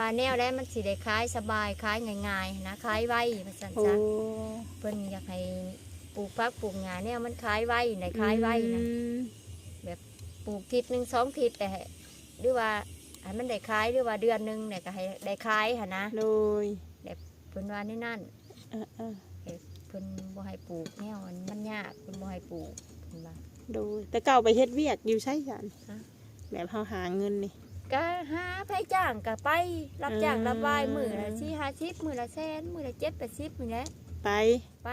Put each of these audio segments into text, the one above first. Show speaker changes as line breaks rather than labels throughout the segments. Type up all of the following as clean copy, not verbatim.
ว่าแนวได้มันสิได้ขายสบายขายง่ายๆนะขายไวมันสั่นซะเพิ่นอยากให้ปลูกผักปลูกหญ้าแนวมันขายไวได้ขายไวนะแบบปลูกทิศนึง2 ทิศแต่หรือว่าให้มันได้ขายหรือว่าเดือนนึงเนี่ยก็ให้ได้ขายหั่นนะ
โดย
แบบเพิ่นว่านี่นั่นเพิ่นบ่ให้ปลูกแนวมันยากเพิ่นบ่ให้ปลูกเพิ่นว่า
โดยแต่เก่าไปเฮ็ดเวียกอยู่ใช่จันแบบเฮาหาเงินนี่
ก็หาไผจ้างก็ไปรับจ้างรับวายมื้อละ4-50มื้อละแสนมื้อละ7-80นี่แหละไป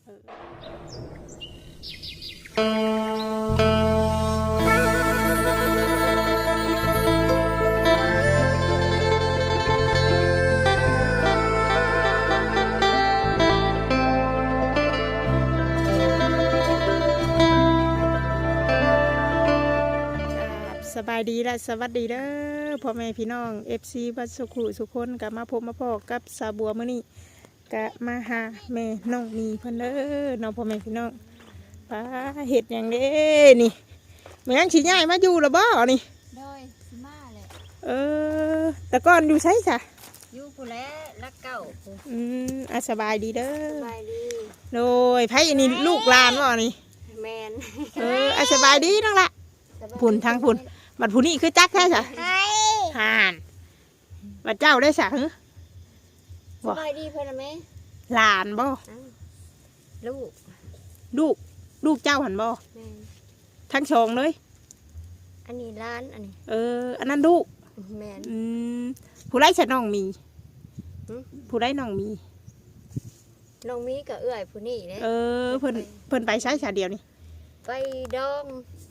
สบายดีและสวัสดีเด้อพ่อแม่พี่น้อง FC บัดสุขุสุคนกับมาพบมาพอกับสาบัวมื้อนี้กะมาหาแม่น้องมีเพิ่นเด้อน้องพ่อแม่พี่น้องป้าเฮ็ดหยังเด้นี่แม่นสิย้ายมาอยู่แล้วบ่นี่
โดยสิมาแหละ
แต่ก่อนอยู่ไสซะ
อยู่ผู้แลรักเก่า
สบายดีเด้อ
สบายดี
โดยไผอันนี้ลูกหลานบ่นี่
แม่น
สบายดีน้องละพุ่นทางพุ่นบัดผู้นี้คือจักแท้จ้ะห่านบัดเจ้าได้สะหือ
สบายดีเพื่อนไหม
หลานบ่ลูกเจ้าหันบ่ทั้งสองเลย
อันนี้ร้านอันนี้
อันนั้นลูก
แม่น
ผู้ไร่ฉันน้องมีผู้ไร่น้องมี
กับเอื้อยผู้นี้เลย
เพิ่นไปใช้ชาเดียวนี่
ไปดอง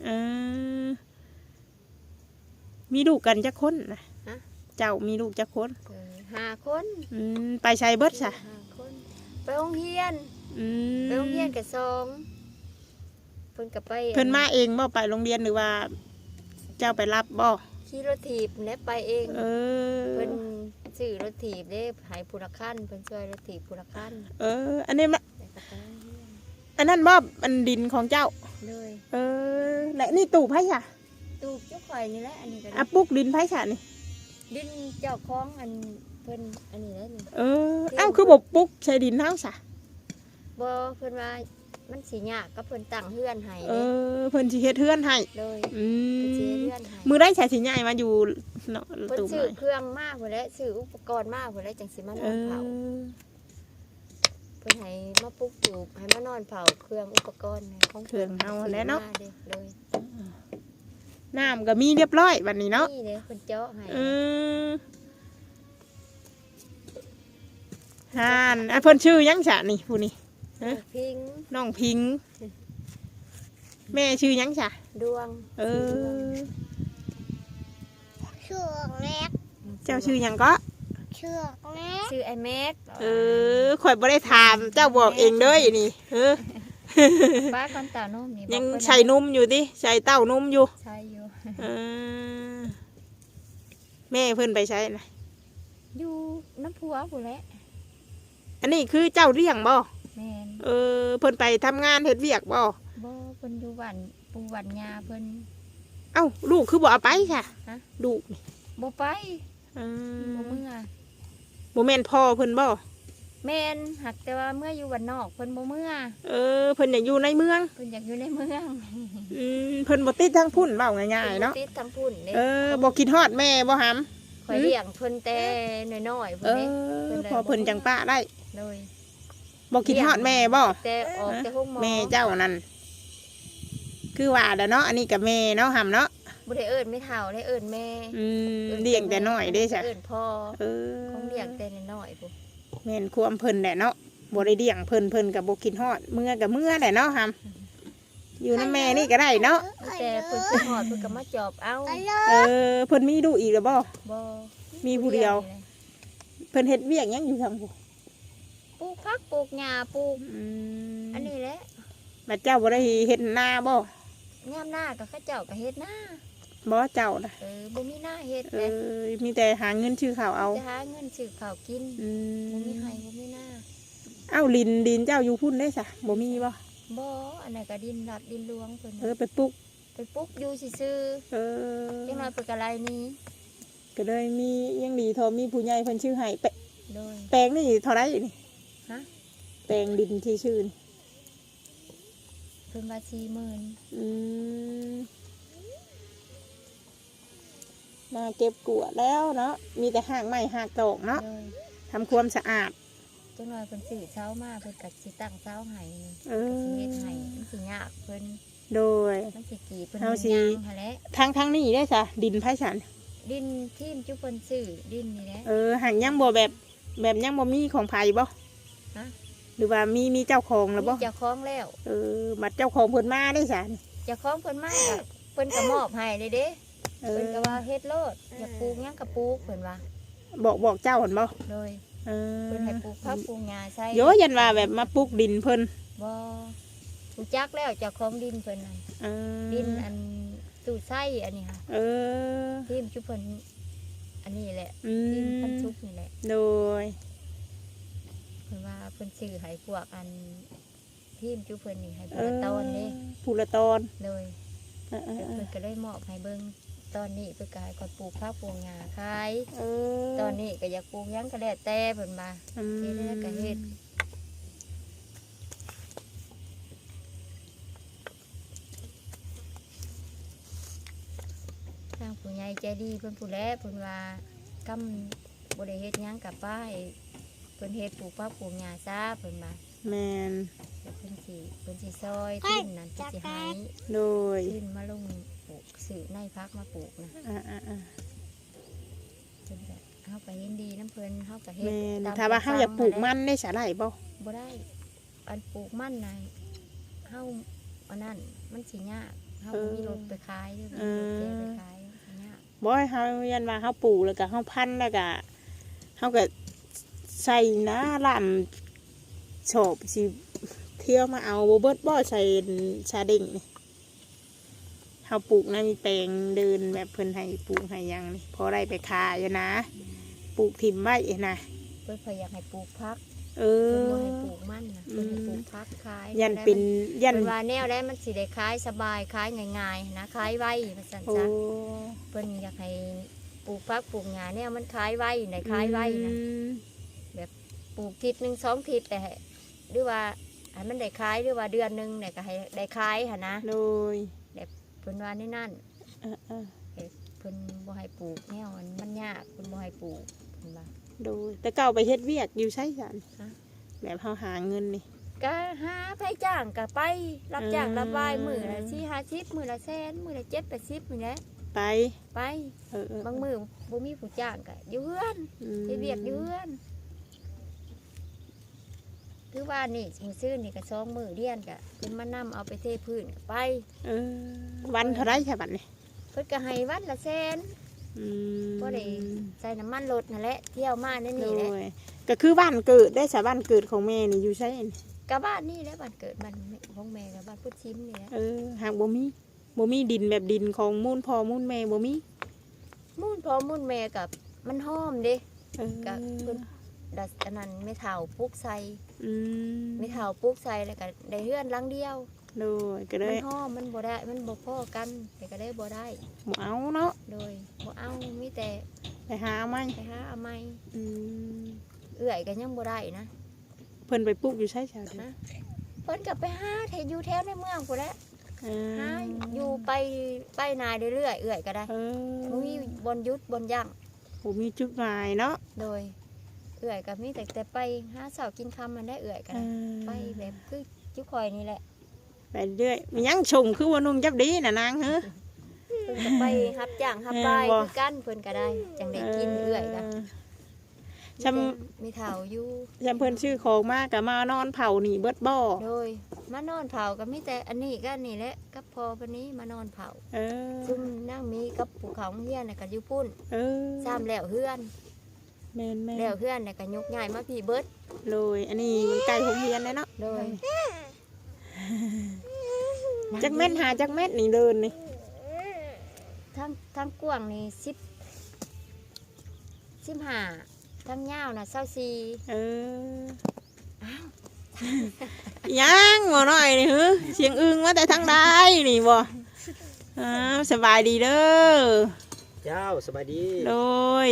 มีลูกกันจักคนนะเจ้ามีลูกจักคน
5 คน
ไปใช้เบิดซะ
5 คนไปโรงเรียนกับ2เพิ่นกับไป
เพิ่นมาเองบ่ไปโรงเรียนหรือว่าเจ้าไปรับบ่
ขี่รถถีบและไปเองเพิ่นซื้อรถถีบได้หายผู้ละคันเพิ่นช่วยรถถีบผู้ละคัน
อันนี้อันนั้นบ่อันดินของเจ้า
เลย
และนี่ตู่ไผค่ะ
ตู่เจ้าข่อยนี่แหละอันนี้
ก็ปุ๊กดินไผค่ะนี่
ดินเจ้าของอันเพิ่นอันนี้แล้วนี่
คือบ่ปุ๊กใช้ดินเฮาซะ
บ่เพิ่นว่ามันสิยากก็เพิ่นตั้งเฮือนให้
เพิ่นสิเฮ็ดเฮือนให้
เลยสิเฮ็ดเฮือนให้
มื้อได้ใช้สิย้ายมาอยู่เนาะ
เพิ่นซื้อเครื่องมาพุ่นแหละซื้ออุปกรณ์มาพุ่นแหละจังสิมานอนเผาเพิ่นให้มาปลูกปลูกให้มานอนเผาเครื่องอุปกรณ์ของ
เครื่องเฮาแหละเนาะ
เลย
น้ำก็มีเรียบร้อยบัดนี้เนาะ
นี่เด้เพิ่นเจาะให้
เพิ่นชื่อยังซะนี่ผู้นี้
พิง
น้องพิงแม่ชื่อยังจ้ะ
ดวง
ชื่อแม็ก
เจ้าชื่อยังก็
ชื่อแม็ก
ชื่อไอแม็ก
ข่อยบ่ได้ถามเจ้าบอกเองเด้อนี่
ป้าก้อนเต่านุ่มนี่
ยังใส่นุ่มอยู่ดิใส่เต้านุ่มอยู่
ใช่อยู่
แม่เพิ่นไปใช้นะ
อยู่น้ำพัวผู้แหละ
อันนี้คือเจ้าเลี้ยงบ่
แม่น
เพิ่นไปทำงานเฮ็ดเวียกบ่
เพิ่นอยู่บ้านปู่บ้านยาเพิ่น
ลูกคือบ่เอาไปค่ะลูกนี่
บ่ไปบ่เมื่อ
บ่แม่นพ่อเพิ่นบ่
แม่นหักแต่ว่าเมื่ออยู่บ้านนอกเพิ่นบ่เมื่อ
เพิ่นอยากอยู่ในเมือง
เพิ่นอยากอยู่ในเมือง
เพิ่นบ่ติดทางพุ่นเว้าง่ายๆเนาะ
ติดทางพุ่น
เด้บ่คิดฮอดแม่บ่หำ
ข่อยเลี้ยงเพิ่นแต่น้อยๆพุ่นเด้
พอเพิ่นจังป้าได้
เลย
บอกคิดฮอดแม่บ่
แต่ออกแต่ห้องหมอ
แม่เจ้านั่นคือว่าเด้อเนาะอันนี้กับแม่เนาะหำเนาะ
บ่ได้เอิ้นไม่เฒ่าได้เอิ้นแม่
เลี้ยงแต่น้อยเด้จ้ะ
เอิ้นพ่อของเลี้ยงแต่น้อยพุ่น
แม่นความเพิ่นแหละเนาะบ่ได้เลี้ยงเพิ่นก็บ่คิดฮอดเมื่อกับเมื่อแหละเนาะหำอยู่นำแม่นี่ก็ได้เนาะ
แต่เพิ่นคิดฮอดเพิ่นก็มาจอบเอา
เพิ่นมีลูกอีกแล้วบ่มีผู้เดียวเพิ่นเฮ็ดเวียกหยังอยู่ทางผู้
ปลูกผักปลูกหญ้าปลูกอันนี้แหละ
บัดเจ้าบ่ได้เฮ็ดนาบ่
ยามหน้าก็เขาเจ้าก็เฮ็ดนา
บ่เจ้าน่ะ
บ่มีหน้าเฮ็ด
มีแต่หาเงินชื่อข้าวเอา
จะหาเงินซื้อข้าวกินบ่มีให้บ่มีหน้า
ดินเจ้าอยู่พุ่นได้ซะบ่มีบ่
อันนั้นก็ดินรัดดินหลวงเพิ่น
ไปปลูก
อยู่ซื่อจังน้อยเพิ่นก็ไล่นี้
ก็เลยมียังดีทอมีผู้ใหญ่เพิ่นชื่อให้
โดย
แปลงนี่เท่าไรนี่
ฮะ
แปลงดินที่ชื่อนี่
เพิ่นว่า40,000
อืมมาเก็บกวาดแล้วเนาะมีแต่หากไม้หากตอกเนาะ
โดย
ทำความสะอาด
จังหน่อยเพิ่นซื้อเช้ามาเพิ่นก็สิตั้งเช้าให้นี่
เอ
สิ
อ
เฮ็ดให้มันสิยากเพิ่น
โดย
มันสิกี่เพิ่น
เอาสิ
ย่างหั่นแหละ
ทางนี้ได้จ้ะดินไผ่ฉัน
ดินทีมจุเพิ่นซื้อดินนี่แหละ
หางยังบ่แบบยังบ่มีของไผ่บ่
ฮะ
หรือว่ามีเจ้าของแล้วบ่
มีเจ้าของแล้ว
บัดเจ้าของเพิ่นมาได้จ้ะ
เจ้าของเพิ่นมาก็เพิ่นก็มอบให้เด้เด้
เอ
เพิ่
อน
ก็ว่าเฮ็ดโลดอยากปลูกหยังก็ปลูกเพิ่นว่า
บอกเจ้าเห็นบ่
โดย
เออ
เพิ่นให้ปลูกผักปลูกหญ้าใส่
โยยันว่าแบบมาปลูกดินเพิ่น
บ่รู้จักแล้วเจ้าของดินเพิ่นนั่น
เออ
ดินอันตู้ไส้อันนี้ค่ะ
เออ
ทีมจุเพิ่นอันนี้แหละ
อื
ทีมพัน
ม
ชุกนี่แหละ
โดย
เพิ่นว่าเพิ่นซื้อให้พวกอันทีมจุเพิ่นนี่ให้เบิ่งตอนเด้
ผู้ละตอน
เลย
เออเออ
เพิ่นก็เลยมอบให้เบิ่งตอนนี้เพิ่นก็ให้ก่อนปลูกผักปลูกหญ้าขาย
เออ
ตอนนี้ก็อยากปลูกหยังก็แล้วแต่เพิ่นมา
อืม
เฮ็ดแล้วก็เฮ็ดทางผู้ใหญ่ใจดีเพิ่นผู้แลเพิ่นว่ากำบ่ได้เฮ็ดหยังกับป้ายเพิ่นเฮ็ดปลูกผักปลูกหญ้าซะเพิ่นมา
แมน
แล้วเพิ่นสิซอยทิ้นนั่นเพิ่นสิให้
โดย
ทิ้นมาลงปลูกซื้อในพักมาปลูกนะ
อ่า
เพิ่นก็เฮาก็เห็นดีน้ำเพิ่นเฮาก็เฮ็
แม
ด
น
ตาม
ถ้าว่าเฮาอยากปลูกมันได้สาหร่ายบ่
บ่ได้อันปลูกมันน่ะเฮาอันนั้นมันสิยากเฮาบ่มีรถไปขายเด้อมีรถแกไปขายมันสิยาก
บ่ให้เฮายันว่าเฮาปลูกแล้วก็เฮาพันธุ์แล้วก็เฮาก็ใส่นะลำชอบสิเที่ยวมาเอาบ่เบิดบ่ใส่ชาเด้งนี่เฮาปลูกนะมีแปลงเดินแบบเพิ่นให้ปลูกให้หยังนี่พอได้ไปขายอยู่นะปลูกถิ่มไว้นะ
เพิ่นพยายามให้ปลูกพัก
เอ
เพิ่น
อ
บ่ให้ปลูกมันน่ะเพิ่นให้ปลูกพักขาย
ยันเป็นยัน
เพิ่นว่าแนวได้มันสิได้ขายสบายขายง่ายๆนะขายไวว่าซั่น
โอ้
จ้ะเพิ่นอยากให้ปลูกพักปลูกหญ้าแนวมันขายไวได้ขายไวนะ ปลูกทิศหนึ่ง2 ทิศแต่หรือว่าให้มันได้ขายหรือว่าเดือนหนึงเนี่ยก็ให้ได้ขายหั่นนะ
โดย
เพิ่นว่านี่นั่น
เออ
เพิ่นบ่ให้ปลูกแนวมันยากเพิ่นบ่ให้ปลูกเพิ่นว่า
โดยแต่เก่าไปเฮ็ดเวียกอยู่ใช่สัน
ฮะ
แบบเฮาหาเงินนี่
ก็หาไผจ้างก็ไปรับจ้าง
อืม
รับวายมื้อละ4-50มื้อละแสนมื้อละ7-80นี่แหละ
ไป
ไป
เออบ
างมื้อบ่มีผู้จ้างก็อยู่เฮือน
อืม
เฮ็ดเวียกอยู่เฮือนคือว่านี่มื้อซื่อนี่ก็2มื้อเรียนก็เพิ่นมานำเอาไปเทพื้นก็ไป
เออวันเท่าไรใช่บัดนี่
เพิ่นก็ให้วันละแสน
อืม
บ่ได้ใส่น้ำมันรถนั่นแหละเที่ยวมาใน
โด
นี่แหละ
ยก็คือบ้านเกิดได้สาบ้านเกิดของแม่นี่อยู่ใช่นี่
กะบ้านนี่แหละบ้านเกิดบ้านของแม่กับบ้านพุทธชิมนี่แหละ
หากบ่มีดินแบบดินของมูลพ่อมูลแม่บ่มี
มุ่นพ่อมุ่นแม่กับมันหอมเด้
เออ
กับเพิ่นดัดอันนั้นไม่เท่าปลูกใส่
อืม
ไม่เท่าปลูกใส่แล้วก็ได้เฮือนหลังเดียว
โดยก็เล
มัน
ย
หอมมันบ่ได้มันบ่พอกันแต่ก็ได้บ่ได้
บ่เอาเนาะ
โดยบ่เอามีแต่
ไปหาเอาไหม
ไปหาเอาใหม่
อืม
เอื้อยก็ยังบ่ได้นะ
เพิ่นไปปลูกอยู่ใช่จ้ะ
นะเพิ่นก็ไปหาแถวอยู่แถวในเมืองพุ่นแหละ
เอ
หา
อ
อยู่ไปนาเรื่อยๆเอื้อยก็ได้
เออ
บ่มีบนหยุดบนยั่ง
บ่มีจุดหมายเนาะ
โดยเอื่อยกับมีแต่ไปหาเสาวกินคำมันได้เอื่อยกันไปแบบคือจุคอยนี่แหละ
ไปเรื่อยมียังชงคือว่านุ่มจับดีน่ะนางเฮ้อ
เพิ่นก็ไปฮับจ้างฮับไปคือกันเพิ่นก็ได้จังได้กินเอื่อยกัน มีเถาอยู่
จำเพิ่นชื่อของมากกับมานอนเผาหนีเบิดบ่อ
โดยมานอนเผาก็มีแต่อันนี้ก็นี่แหละกับพอวันนี้มานอนเผา
เออ
ซุ่มนั่งมีกับภูเขาเฮียนน่ะก็อยู่พุ่น
เออ
ซ้ำแล้วเฮือน
แม่น
แล้วเฮือนน่ะก็ยกง่ายมาพี่เบิด
โดยอันนี้มันไก่ผมเฮียนเลยเนาะ
โดย
จักเม็ดหาจักเม็ดนี่เดินนี่
ทั้งกว้างนี่15ทั้งยาวน่ะ24
เออยังบ่น้อยนี่หือเสียงอึ้งมาแต่ทางใดนี่บ่อ้าวสบายดีเด้อ
ใจเจ้าสบายดี
โดย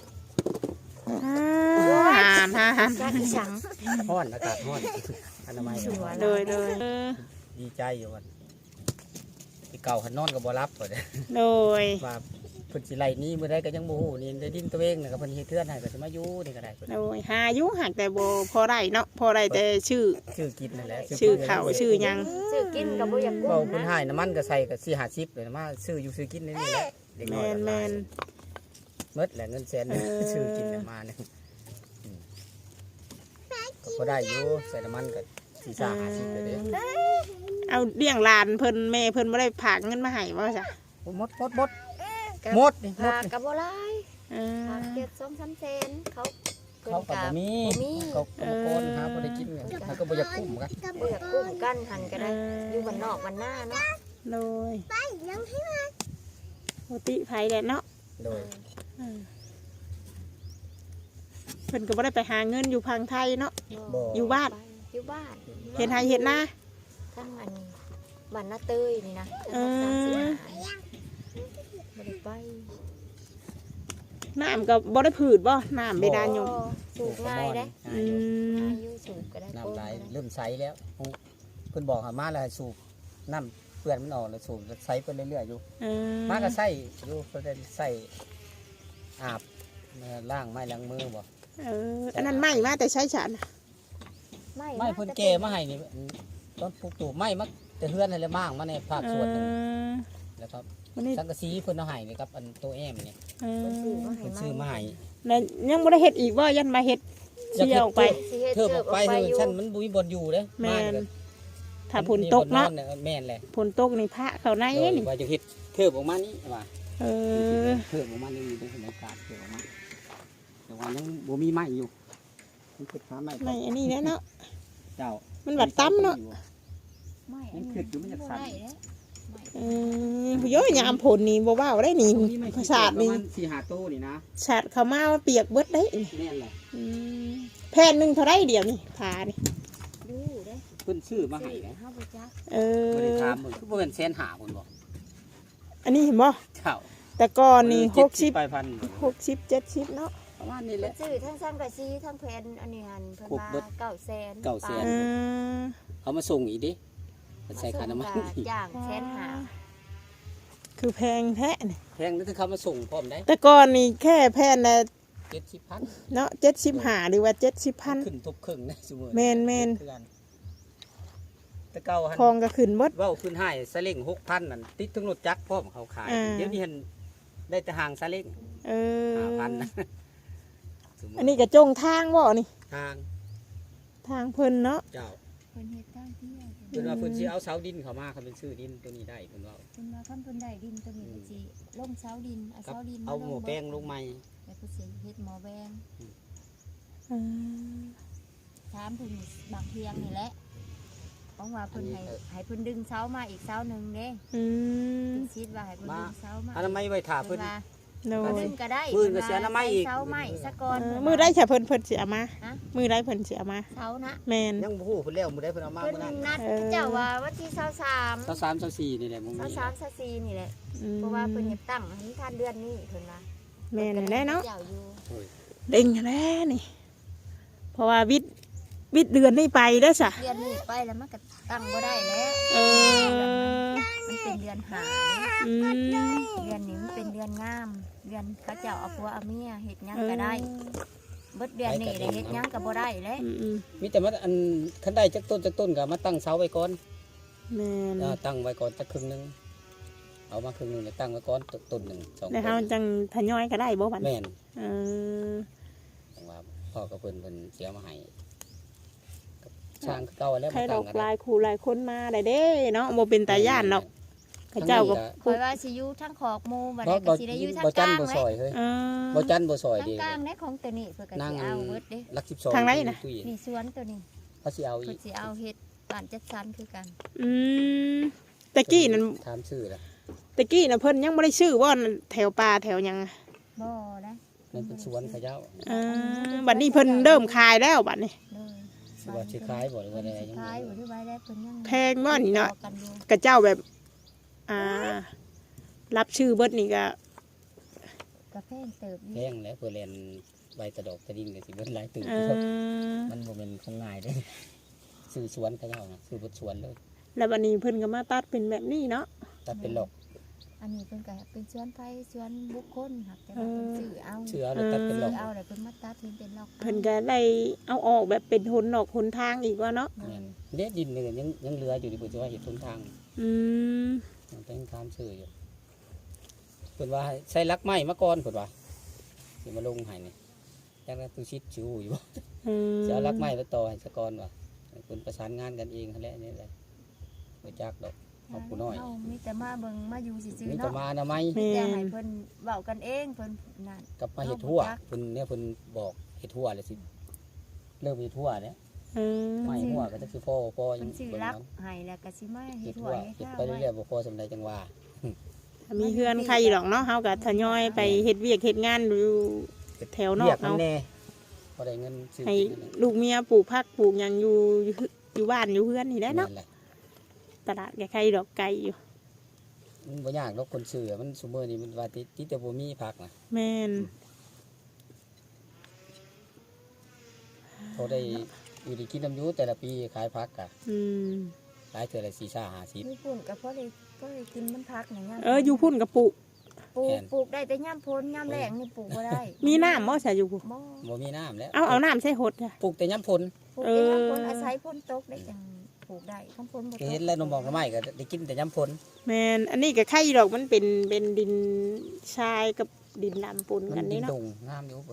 ฮ่า
จ้าอีสัง
ฮ้อนอากาศฮ้อนอนามัย
สวย
โดย
ดีใจอยู่วันที่เก่าหันนอนก็บ่รับเด้
โดย
ว่าเพิ่นสิไล่หนี้มื้อใดก็ยังบ่ฮู้นี่ได้ดินตัวเองน่ะก็เพิ่นเฮ็ดเทือนให้ก็สิมาอยู่นี่ก็ได้เพิ่น
โดยหาอยู่หักแต่บ่พอได้เนาะพอได้แต่ชื่อ
ชื่อกินนั่นแหละ
ชื่อเขาชื่อหยัง
ซื้อกินกับบ่อยากกุ้
เว้าง เพิ่นให้น้ำมันก็ใส่ก็4-50เลยนะมาซื้ออยู่ซื้อกินนี่แหละเด็ก
แม
น้อย
นแมน
หมดแหละเงินแสนซื้อกินน่ะมาเนี่ยก็ได้อยู่ใส่น้ำมันก็4-50เลยเด้
เอาเลี้ยงหลานเพิ่นแม่เพิ่นบ่ได้ฝากเงินมาให้บ่จ้ะ
หมดนี่หมด
พากับบ่หลาย
เอ
พา
อ
เก็บ2-3แสนเขา
เขาก็บ่มีเขาก็บ่โกนหาบ่ได้กินเนี่ยเขาก็บ่อยากคุ้มกัน
บ่อยากกุ้งกันหันก็ได้อยู่บ้านนอกบ้านหน้าเนาะ
โดย
ไปยังให้มา
ปกติไผแหละเนาะ
โดย
เออเพิ่นก็บ่ได้ไปหาเงินอยู่พังไทยเนาะ อยู่บ้าน
อยู่บ้าน
เฮ็ดไร่เฮ็ดนา
ทั้งอันบ้านนาเตยนี่นะ
เออ
บ่ได้ไป
น้ำก็บ่ได้ผืดบ่น้ำเบดานยม
สูบง่ายเด้
อืม
ง่ายอยู่สูบก็ได้
น้ำไหลเริ่มใสแล้วเพิ่นบอกให้มาแล้วให้สูบน้ำเปื้อนมันออกแล้วสูบใสไปเรื่อยๆอยู่
เออ
มาก็ใส่อยู่เพิ่นได้ใส่อาบล้างไม้ล้างมือบ่
เอออันนั้นไม่มาแต่ใช้ฉันน่ะ
ไม้เพิ่นแก่มาให้นี่ต้นปลูกตูบไม้มาแต่เฮือนให้แล้วมางมาในภาคส่วนหนึง
เออ
แล้วครับ
วันนี้
สังกะสีเพิ่นเอาให้นี่ครับอันตัวแอมนี่
เออ
เพิ่นซื้อมา
เพิ่นซื้อมาให้
แล้วยังบ่ได้เฮ็ดอีกบ่ยันมาเฮ็ดเที่ยวออกไป
สิเฮ็ด
เทิบออกไป
เทิ
เฮื
บ
อนชั้นมันบ่มีบ่อนอยู่เด้
แม่น
บ้า
ถ้าฝนตกเนาะ
มีบ่อแม่นแหละ
ฝนตกนี่พระเขาใน
โดย
นี่
ว่าจะเฮ็ดเทิบออกมานี่ว่า
เออ
เทิบออกมานี่เป็นบรรยากาศเทิบออกมาแต่ว่ายังบ่มีไม้อยู่มันคิดหาไม้
ไม่อันนี้แหละเนาะ
เจ้า
มันบัดตั้มเนาะ
ไม่
มันขึ้นอยู่มันจะสั่น
บ่ได้เด้
เออผู้ย่อยยามผลนี่บ่ว้าวได้นี่ภาษาทนี่
ประมาณ4-5โตนี่นะ
ศาสตร์เขามาว่าเปียกเบิดได้นี่
แม่นแหละ
อืมแผ่นหนึงเท่าไรเดียวนี่ผานี่
ดูเด้
เพิ่นซื้อมาให้นะ
เฮาบ่จัก
เอ
บ่ได้
อ
ถามมึงคือบ่เป็นแสนหาพุ่นบ่
อันนี้เห็นบ่
เจ้า
แต่ก่อนนี่
70ไปพัน
60 70เนาะ
ประมาณนี้แห
เพิ่น
ละ
ซื้อทั้งสังกะสีทั้งแผ่นอันนี้หั่นเพิ่น
ครบเบิ
ว่า
ด
900,000
900,000
เออ
เอามาส่งอีกดิใส่ค่าน้ำมัน
ส่งก็จ้างแสนห้า
คือแพงแท้นี่
แพงนั่นคือเขามาส่งพร้อมได้
แต่ก่อนนี่แค่แผ่นละ
70,000
เนาะ75หรือว่า70,000
ขึ้นทุกครึ่งนะซุมื้อ
แม่น
แต่เก่าหัน
ทองก็ขึ้นเบิด
เว้าขึ้นให้ซาเล้ง6,000นั่นติดถึงรถจักรพร้อมเขาขาย
อ่า
เดี๋ยวนี้เห็นได้แต่หางซาเล้ง
เออ
5,000นะซุมื้
อันนี้ก็จงทางบ่นี่
ทาง
ทางเพิ่นเนาะ
เจ้า
เพิ่นเฮ็ดทางเที่ยว
เพิ่นว่าเพิ่นสิเอาเสาดินเข้ามาเขาเป็นชื่อดินตัวนี้ได้เพิ่นว่า
เพิ่นว่าคันเพิ่นได้ดินตัวนี้เพิ่นสิลงเสาดินเอา
กับ
เสาดิน
เอาหมูแป้งลงใหม่
แล้วเพิ่นสิเฮ็ดหม้อแบง
อืม
ถามเพิ่นบางเพียงนี่แหละเพราะว่าเพิ่นให้เพิ่นดึงเสามาอีกเสาหนึงเด้
อืม
เพิ่นคิดว่าให้เพิ่นดึงเสามา
อนามัยไว้ถ่าเพิ่น
ว่า
โด
เพิ่น
ย
ดึงก็ได้
มื้อก็เสียน้ำไม้อีก
เสาไม้ซะก่อน
มือได้ใช่เพิ่นสิเอามา
ฮะ
มือได้เพิ่นสิเอามา
เสานะ
แม่น
ยังบ่ฮู้เพิ่นแล้วมื้อใดเพิ่นเอามา
เพิ่น
มื้อนั้น
นัดเจ้าว่าวันที่23
23 24นี่แหละมึง
23 24นี่แหละ
อืม
เพราะว่าเพิ่นเฮ็ดตั้งให้ทันเดือนนี้เพิ่นว่า
แม่นแน่เนาะ
เจ้าอยู่
เด้งแน่นี่ เพราะว่าวิทย์เดือนนี้ไปได้อซะ
เดือนนี้ไปแล้วมันก็ตั้งบ่ได้แล้ว
เออ
มันเป็นเดือนหา
อืม
เดือนนี้มันเป็นเดือนงาม เดือนเขาเจ้าเอาผัวเอาเมียเฮ็ดหยังก็ได้เบิดเดือนนี้ได้เฮ็ดหยังก็บ่ได้แล้ว
อืม
มีแต่ว่าอันคันได้จักต้นก็มาตั้งเสาไว้ก่อน
แม่น
ตั้งไว้ก่อนจักครึ่งหนึงเอามาครึ่งหนึงแล้วตั้งไว้ก่อนต้นหนึง2
แล้วเฮาจังทยอยก็ได้บ่บัด
แม่น
เออ
จังว่าพ่อกับเพิ่นเสียมาให้กับช่างคือเก่าแล้ว
ใคร
มา
ด
ตั้
อง ก
กัน
หลายคู่หลายคนมาได้เด้เนาะบ่เป็นตาย่านเนาะเขาเจ้าก็
คอยว่าสิอยู่ทั้งขอกหมู่บัด
บ่
นี้ก็สิได้อยู่ทั้ง
บ่
ก
จัน
ลาง
บ่
เล
ซอย ยเฮ้ย
เออ
บ่จันบ่ซอย
ทั้ง
ดี
กลางในของตัวนี้เพิ่นก็
นั่ง
สิ
อัน
เอาเบิดเด้
ลัก12
ทางไหนน่ะ
ตู้เย็น
นี่สวนตัวนี้
เขาสิเอาอี
เพิ่น
ก
สิเอาเฮ็ดบ้านจัดสรรคือกัน
อืมตะกี้นั่น
ถามชื่อละ
ตะกี้น่ะเพิ่นยังบ่ได้ชื่อว่าแถวป่าแถวหยัง
บ่นะ
นั่นเป็นสวนเขาเจ้า
เออบัดนี้เพิ่นเริ่มขายแล้วบัดนี้
เลย
สิว่าสิขายบ่หรือว่าอะไรยัง
ขายบ่หรือว่าได้เพิ่นยัง
แพงบ่นี่เนาะ
ต่อกันอยู่
กระเจ้าแบบ รับชื่อเบิดนี่ก็
กระแพงเติบอยู่
แพงแล้วเพื่อเรียนใบตะดอกตะดินก็สิเบิดหลายตื่น
เออ
มันบ่เป็นของง่ายเด้ซื้อสวนเขาเจ้านะซื้อบดสวนเลย
แล้ววันนี้เพิ่นก็มาตัดเป็นแบบนี้เนาะ
ตัดเป็นหลอก
อันนี้เพิ่นก็เป็นสวนไผสวนบุคคลครับแต่ว่าเพิ่นซื้อเอา
เชื่อแล้วตัดเป็นหล
ซื้
อ
อก เอาแล้วเพิ่นมาตัดเป็นล็อก
เพิ่นก็ได้เอาออกแบบเป็นหนออกหนทางอีกว่าเนาะ
แม่นเด็ดดินนี่ก็ยังเหลืออยู่ที่เพิ่นสิว่าเฮ็ดหนทาง
อืม
มันเป็นทางซื้ออยู่เพิ่นว่าใส่ลักไม้มาก่อนเพิ่นว่าสิมาลงให้นี่จักนั้นตูชิดชิวอยู่บ่
อืม
จะเอาลักไม้ไปต่อให้ซะก่อนว่าให้เพิ่นประสานงานกันเองนั่นแหละนี่แหละบ่จักดอกเอาผู้น้อย
เฮามีแต่มาเบิ่งมาอยู่ซื่อ
มี
ๆ
แต่
เนาะ
มาอนามัย
มีแต่ให้เพิ่นเว้ากันเองเพิ่นนั่น
กับมาเฮ็ดทั่วเพิ่นเนี่ยเพิ่นบอกเฮ็ดทั่วเลยสิเริ่มเฮ็ดทั่วเนี่ย
อืม
ไม้หัวก็จะคือพ่อยั
เพิ่
ง
นซื้อ
เบิ่ง
รัก
นั้น
ให้แล้วก็สิมาเฮ็
เฮ็
ด
ด
หั
ทั่
ว
ว
เฮ็ด
เฮ็ด
ข้าว
ไปเรื่อยๆบ่พอสำใดจังว่า
ถ้ามีเฮือนใครหรอกเนาะเฮาก็ทยอยไปเฮ็ดเวียกเฮ็ดงานอยู่แถวนอ
เรีย
ก
กมัน
เอา
แน่พอได้เงินซื้อ
ให้
กินนั่นแหละ
ลูกเมียปลูกผักปลูกหยังอยู่บ้านอยู่เฮือนนี่แหละเนาะ
นั่นแหละ
ตลาดใครดอกไก่อยู่
มันบ่ยากดอกคนซื้อมันซุมื้อนี้มันว่าติแต่บ่มีผักน่ะ
แม่น
พอได้อยู่ได้กินน้ำอยู่แต่ละปีขายผักก็
อืม
ขายเทื่อละ4-50
ญี่ปุ่นก็พอได้กินน้ำพักในยาม
อยู่พุ่นกับปลูก
ปลูกได้แต่ยามพ้นยามแล้งนี่ปลูกบ่ได้
มีน้ำบ่ใส่อยู่พุ่น
บ่
บ่มีน้ำแล้ว
เอาน้ำใส่หดจ้ะ
ปลูกแต่ยามฝน
ปลูกได้ยามพ้นอาศัยพ้นตกได้จังปลูกได้พ้นพ้นบ่ต
ก็
ก
เห็นแล้วน้องบอกน้ำไม้ก็ได้กินแต่ยามฝน
แม่นอันนี้ก็ไข่ดอกมันเป็นดินทรายกับดินดำปน
มั
กัน
นดิ
นี่
น
เนาะ
ดงงามอยู่ฝน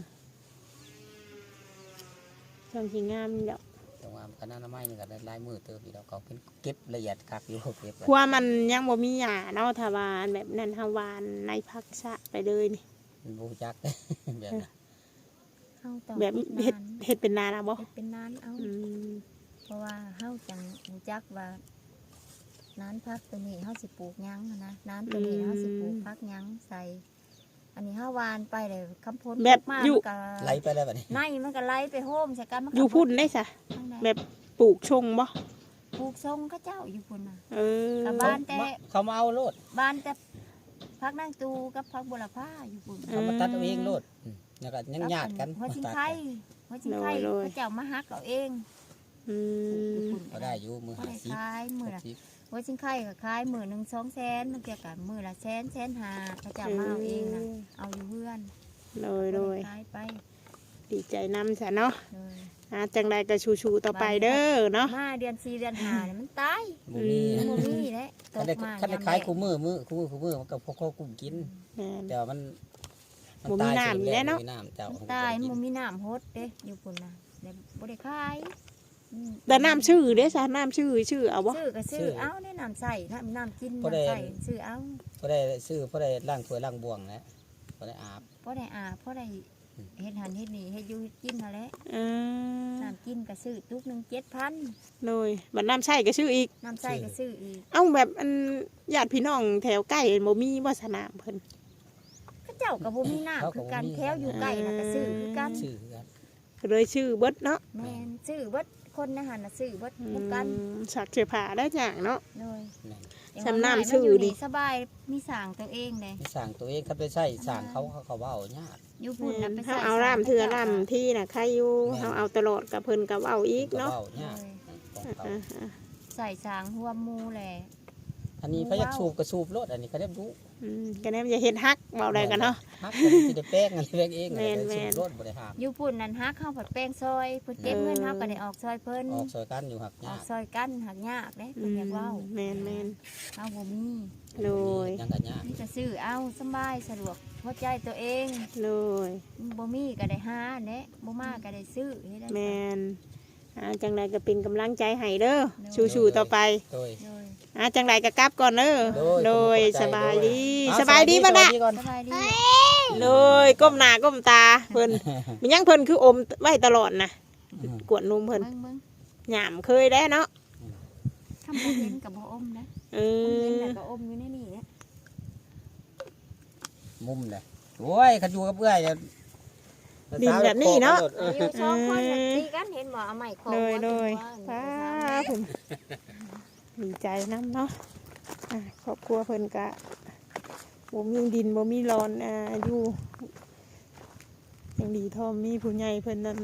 ช่างที่งามนี่ดอก
แต่ว่าคณะน้ำไม้นี่ก็ได้หลายมือเติบอยู่แล้วเขาเป็นเก็บละเอียดคักอยู่เก็บไว้
เพราะว่ามันยังบ่มีหญ้าเนาะถ้าว่าแบบนั้นเฮาหวานในพักษะไปเลยนี่
มันบ่รู้จัก แบบนั้น
เฮาต้อง
แบบ
ฮ็
เฮ็ดเป็นนานะบ่
เฮ็ดเป็นนานเอา
อืม
เพราะว่าเฮาจังรู้จักว่าน้านพักตัวนี้เฮาสิปลูกหยังหั้นนะน้านตัวนี้เฮาสิปลูกพักหยังใส่ อันนี้เฮาหวานไปเลยคำพ้น
แบบ
มา
อยู่
มันก็
ไหลไปแล้วบัดนี้
ในมันก็ไหลไปโฮมใส่กันมันก็
อยู่พุ่นได้ซะ
ข้างใน
แบบปลูกชงบ่
ปลูกทรงเขาเจ้าอยู่พุ่นน่ะ
เออ
กับ
เขา
บ้านแต่
เขามาเอาโลด
บ้านแต่พักนางตูกับพักบุรพาอยู่พุ่น
เขามาตัดเอาเองโลดแล้วก็ยังญาติกัน
หัวชิง
ตัด
ไข่หัวชิงไข่เขาเจ้ามาฮักเอาเอง
อืม
ก็ได้อยู่มือ
เขาได้ขายมือละ
50
หัวชิงไข่ก็ขายมือหนึ่ง200,000มันเกี่ยวกับมือละ100,000 เขาเจ้ามาเอาเองนะเอาอยู่เพื่อน
โดย
ขายไป
ดีใจนำซะเนาะ
เลย
จังใดก็ชูๆต่อไปเด้อเนาะ
มาเดือน4เดือน5เนี่ยมันตาย
บ่มี
มันบ่มีแหละต
คัน
ก
ได้
มา
คันได้ขายคู่มือมันก็พอกุ้มกิน
แม่น
แต่ว่ามัน
บ่มีน้ำอยู่แล้วเนาะ
บ่มีน้ำเจ้า
มันตายมันบ่มีน้ำฮดเด้อยู่พุ่นน่ะแล้วบ่ได้ขายอืม
แต่น้ำชื่อเด้ซะน้ำชื่อเอาบ่
ซื้อก็ซื้อเอาได้น้ำใส่น้ำกินน้ำใส่ซื้อเอา
พอได้ซื้อพอได้ล้างถ้วยล้างบ่วงแล้วพอได้อาบ
พอได้อาบพอได้เฮ็ดหันเฮ็ดนี่เฮ็ดอยู่กินนั่นแหละ
เออ
น้ำกินก็ซื้อตุกหนึง7,000
โดยบัดน้ำใช้ก็ชื่ออีก
น้ำใส่ก็ซื้ออีก
เอ้าแบบอันญาติพี่น้องแถวใกล้บ่มีบ่สนามเพิ่น
เขาเจ้าก็บ่มีน้ำคือกันแถวอยู่ใกล้น่ะก็ซื้อคือกัน
ซื้อคือกัน
ก็เลยชื่อเบิดเนาะ
แม่นซื้อเบิดคนในหันน่ะซื้อเบิดคือกัน
สักเสื้อผ้าได้จังเนาะ
เลย
แม่น
สำน้ำซื้อดิ
สบายมีสร้างตัวเองเลย
มีสั่งตัวเองครับไปใช้สั่งเขาเว้ายาก
อยู่พุ่นน่ะไป
เฮา
ใส่
เอาร่ำเทื่อร่ำที่น่ะใครอยู่เฮาเอาตลอดกับเพิ่นก็เอาอีก
เขา
เนาะ
เว้ายากของเขา
อ่า
ใส่สร้างหัวหมูแหละ
อันนี้เขาอยากสูบก็สูบรถอันนี้เขาได้รู้
ก็แน่อย่าเฮ็ดฮักเว้าได้กันเนาะ
ฮักมันสิได้แป้งอันนี้แป้งเอง
แม่น
สูบรถบ่ได้ห้าม
อยู่พุ่นนั่นฮักเข้าผัดแป้งซอยเพิ่นเก็บเงินเฮาก็ได้ออกซอยเพิ่น
ออกซอยกันอยู่หักาก
ออยกซอยกันหักยากเด้เพิ่นอยากเว้า
แม่น
เฮาบ่มี
โดย
ยังกันยาก
มีแต่ซื้อเอาสำบายสะดวกหัวใจตัวเอง
โดย
บ่มีก็ได้หาแหละบ่มาก็ได้ซื้อเฮ็ดได้
แม่นจังใดก็เป็นกำลังใจให้เด้อสู้ๆต่อไป
โดย
เลย
จังใดก็กลับก่อนเด้อ
โดย
สบายดี
เอา
สบายดีบ่ล่ะ
สวัสก่อน
สบายดี
เลยก้มหน้าก้มตาเพิ่นมันยังเพิ่นคืออมไว้ตลอดนะกวดนมเพิ่น
เบิ่ง
หยามเคยได้เนาะ
คำบ่เห็นกับบ่อมนะ
เอ
เห็น
อ
แต่ก็อมอยู่ในนี่เนี่ย
มุมเลยโอ้ยขันอยู่กับเอื้อยเนี่ย
ดินแบบนี้เนาะ
อยู่สองคนน่ะตีกันเห็นบ่เอาไม้คอ
โดย
ว่า
ป้าผมดีใจน้ำเนาะครอบครัวเพิ่นก็บ่มีดินบ่มีรอนอยู่ยังดีทอมมีผู้ใหญ่เพิ่นนั่น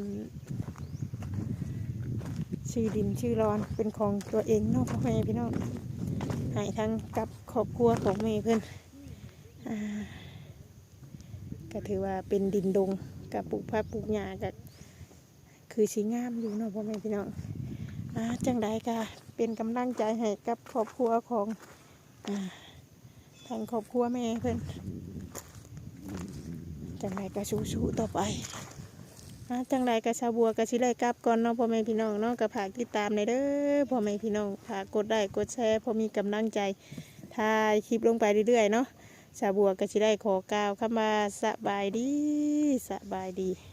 ชื่อดินชื่อรอนเป็นของตัวเองเนาะพ่อแม่พี่น้องให้ทั้งกับครอบครัวของแม่เพิ่นก็ถือว่าเป็นดินดงกับปลูกผักปลูกหญ้าก็คือสีงามอยู่เนาะพ่อแม่พี่น้องจังใดก็เป็นกำลังใจให้กับครอบครัวของทางครอบครัวแม่เพิ่นจังใดก็สู้ๆต่อไปจังใดก็ชาวบัวก็สิได้กลับก่อนเนาะพ่อแม่พี่น้องเนาะก็ฝากติดตามในเด้อพ่อแม่พี่น้องฝากกดไลค์กดแชร์พอมีกำลังใจถ่ายคลิปลงไปเรื่อยๆเนาะชาวบัวก็สิได้ขอกล่าวคำว่าสบายดี